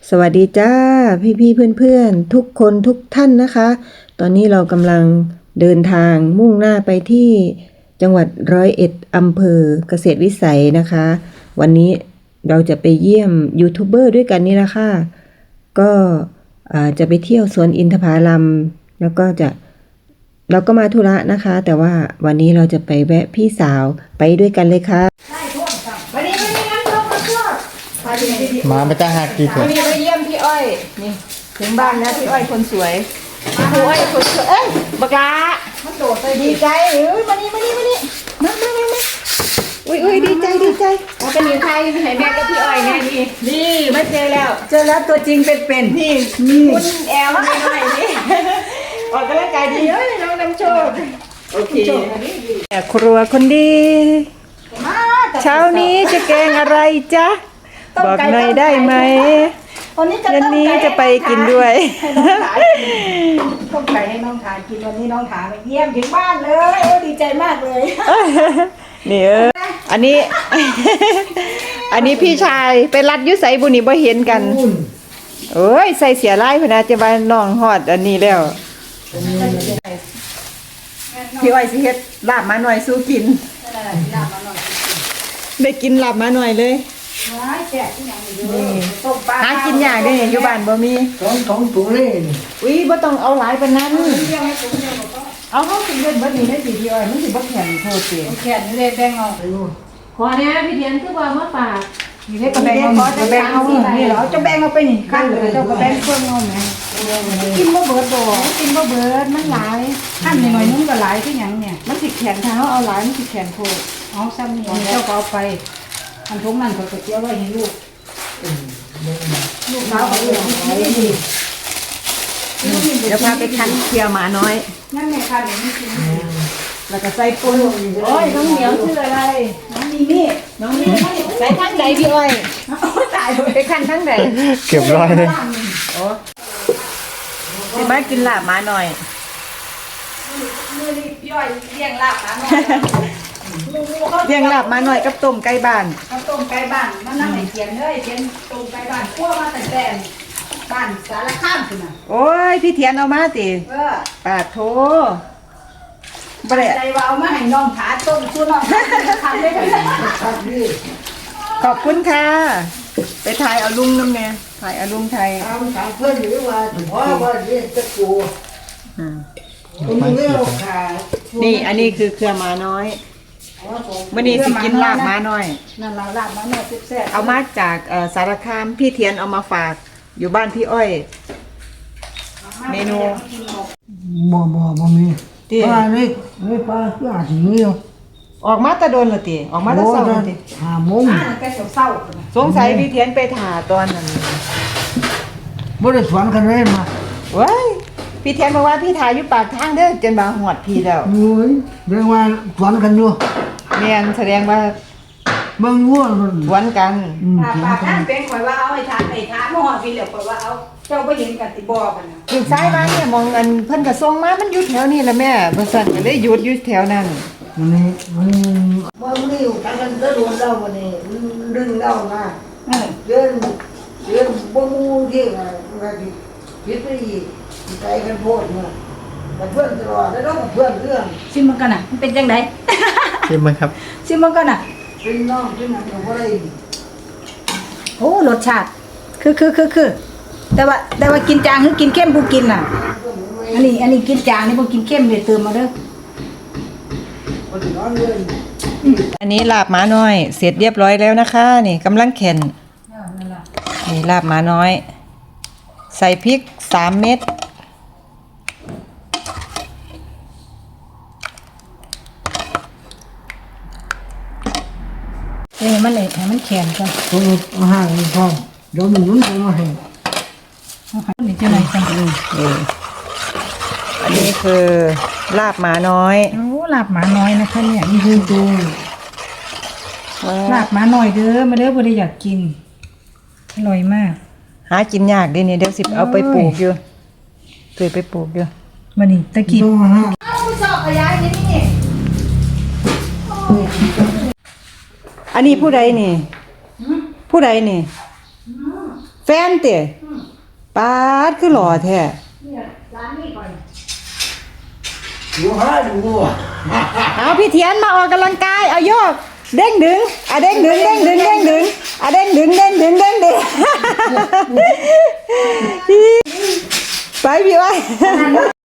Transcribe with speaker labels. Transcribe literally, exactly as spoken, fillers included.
Speaker 1: สวัสดีจ้าพี่พี่เพื่อนเพื่อนๆทุกคนทุกท่านนะคะ ตอนนี้เรากำลังเดินทางมุ่งหน้าไปที่จังหวัดร้อยเอ็ดอำเภอเกษตรวิสัยนะคะ วันนี้เราจะไปเยี่ยมยูทูบเบอร์ด้วยกันนี่ละค่ะก็จะไปเที่ยวสวนอินทผลัมแล้วก็จะเราก็มาธุระนะคะ แต่ว่าวันนี้เราจะไปแวะพี่สาวไปด้วยกันเลยค่ะวันนี้วันนี้น้ำส้มมาช่วย
Speaker 2: มาไม่ต้องหักกี่เถ
Speaker 1: วั
Speaker 2: อะ
Speaker 1: นนี้ไปเยี่ยมพี่อ้อยนี่ถึงบ้านแล้วพี่อ้อยคนสวยพี่อ้อยคนสวยเอ้ยบักลามันโดดไปดีใจเอ้ยมานี่มานี่มานี่มามามามาอุ้ยอุ้ยดีใจดีใจเราเป็นอยู่ไทยไหนแม่กับพี่อ้อยเนี่ยนี่นี่มาเจอแล้วเจอแล้วตัวจริงเป็นๆนี่คุณแอลไม่น้อยนี่ออกกำลังกายดีเอ้ยน้องน้ำโชคโอเคแต่ครัวคนดีเช้านี้จะแกงอะไรจ๊ะบอกหน่อยได้ไหม
Speaker 3: วันนี้จะ
Speaker 1: ยันนี้จะไปกินด้วย
Speaker 3: ต้มไก่ให้น้องทานกินวันนี้น้องทานไปเยี่ยมถึงบ้านเลยโอ้ดีใจมากเลย
Speaker 1: นี่เอออันนี้ อันนี้พี่ชายไปรัดยุใสบุญนี่บ่เห็นกันเอ้ยใส่เสียไล่พนะจะมาน้องฮอดอันนี้แล้วพี่อ้อยสิเฮ็ดลาบมาหน่อยสู้กินได้กินลาบมาหน่อยเลยหากินยากเด้อยู่บ้านบ่มี
Speaker 2: สองสองถุงเลย
Speaker 1: อุ้ยบ่ต้องเอาหลายปานนั้นเอาเฮาสิเฮ็ดบ่นี่ได้สิพี่อ้อยมันสิบ่แข็งโทษติ
Speaker 3: แค่นี้เลยแบ่งเอา
Speaker 4: ขอเนี่ยพี่เดียนคือว่ามาฝาก
Speaker 3: นี่เล็กก็แบ่งเอาจะแบ่งเอานี่เหรอจะแบ่งเอาไปนี่ขั้นเลยเจ้าก็แบ่งเครื่องเอาแม่กินบ่เบิดบ่กินบ่เบิดมันหลายขั้นหน่อยนึงก็หลายคือหยังเนี่ยมันสิแข็งถ้าเฮาเอาหลายมันสิแข็งโพดเอาซ้ำนี่เจ้าก็เอาไปอันทุกนั้นก็เกี่ยวไว้ให้ลูกลูกสาวก็เลี้ยงดีดี
Speaker 1: เดี๋ยวพาไปคั้นเคี่ยวหมาน้อย
Speaker 3: นั่นไงค่ะเดี๋ยวนี้กิน
Speaker 1: แล้วก็ใส่ปุ้นโอ้ยน้องเหนียวชื่ออะไร
Speaker 3: น้องมีมี่
Speaker 1: น้องมีใส่ทั้งใดพี่อ้อย
Speaker 3: ตาย
Speaker 1: ไปคั้นทั้งใด
Speaker 2: เก็บร้อยเลย
Speaker 1: โอ้สิมากินลาบหมาหน่อย
Speaker 3: มือนี่พี่อ้อยเลี้ยงลาบหมาหน่อย
Speaker 1: เลี้ยงลาบหมาหน่อยกับต้มไก่บ้าน
Speaker 3: กับต้มไก่บ้านมันนั่งไหนเทียนเลยเทียนต้มไก่บ้านคั่วมาแต่แต่บ้านสารข้ามคุณน่ะ
Speaker 1: โอ้ยพี่เทียนเอามาสิ
Speaker 3: เออ
Speaker 1: ปาโถ
Speaker 3: บ่ได้ใจว่าเอามาให้น้องขาต้มสู้น้องทำได้ไหม
Speaker 1: ขอบคุณค่ะไปถ่ายเอาลุงน้ำเนี่ยถ่ายเอาลุงไทย
Speaker 5: เอาถามเพื่อนหรือว่าเพราะว่าเรียนจะกูคุณเลี้ยวขา
Speaker 1: นี่อันนี้คือเครือหมาน้อยวันนี้สิกินลาบหมาน้อย
Speaker 3: นั่นเราลาบหมาน้อยแซ่บ
Speaker 1: เอามาจากสารคามพี่เทียนเอามาฝากอยู่บ้านพี่อ้อยเมนู
Speaker 5: บ่บ่บ่มีปลาเล็กไม่ปลาคืออาจจะมี
Speaker 1: ออกมาตะโดนละติออกมาตะเศร้าละติ
Speaker 5: หาโมง
Speaker 3: แกเศร้า
Speaker 1: สงสัยพี่เทียนไปถ่าตอนนั้น
Speaker 5: บ่ได้สวนกันเลยมา
Speaker 1: ว้ายพี่เทียนบอกว่าพี่ถ่ายอยู่ปากทางเด้อจนมาหอดพี่แล้ว
Speaker 5: โอ้ยเรียกว่าสวนกันอยู่
Speaker 1: แม่นแสดงว่า
Speaker 5: เบิ่งวัว
Speaker 1: สวนกัน
Speaker 3: ปากท่านเป็นข่อยว่าเอาไอ้ทานไอ้ทานมอพี่เหลือข่อยว่าเอาเจ้าบ่เห็นกันติบ่กันน่ะ
Speaker 1: ถึงซ้ายมาเนี่ยมองอันเพิ่นก็ส่งมามันอยู่แถวนี้ล่ะแม่บ่ซั่นก็เลยหยุดอยู่แถวนั้น
Speaker 5: วันนี้วันนี้บ่มีอยู่กันกันโดนเราวันนี้ดึงเรามาเดินเดินบ่มูที่ว่าดิคิดไปใจกันโพดเนี่ยกับเพื่อนตลอดแล้วก็เพื่อนเรื่อง
Speaker 3: ซิมมันกันน่ะมันเป็นจังได๋
Speaker 2: ชิมมั้ยครับ
Speaker 3: ซิมมันกันน่ะ
Speaker 5: เป็นน้องเป็นอะไรก็ได้
Speaker 3: โอ้รสชาติคือคือคือคือแต่ว่าแต่ว่ากินจางคือกินเข้มกูกินน่ะอันนี้อันนี้กินจางนี่บ่กินเข้มเลยเติมมาเด้อ
Speaker 1: อันนี้ลาบหมาน้อยเสร็จเรียบร้อยแล้วนะคะนี่กำลังแข็นนี่ลาบหมาน้อยใส่พริกสามเม็ด
Speaker 3: เอ้มันเลยให้มันแข็งก่อน
Speaker 5: ตัวอาหารพอเดี๋ยวมันนุ่นตัวมาให้
Speaker 3: นี่จะไหนกัน
Speaker 1: นี่อันนี้คือลาบหมาน้อย
Speaker 3: โอ้ลาบหมาน้อยนะคะเนี่ยนี่คือดูลาบหมาน้อยเด้อมาเด้อบ่ได้อยากกินอร่อยมาก
Speaker 1: หากินยากดินี่เดี๋ยวสิเอาไปปลูกอยู่เคยไปปลูกอยู่
Speaker 3: มานี่ตะกี้เอาสอบขยายนี่นี่
Speaker 1: อันนี้ผู้ใดนี่ผู้ใดนี่แฟนเตะปาดคือหล่อแท้
Speaker 5: อยู่หาดูอ่ะ
Speaker 1: เอาพี่เทียนมาออกกำลังกายเอาโยกเด้งดึงอ่ะเด้งดึงเด้งดึงเด้งดึงอ่ะเด้งดึงเด้งดึงเด้งดึงไปพี่อ้อย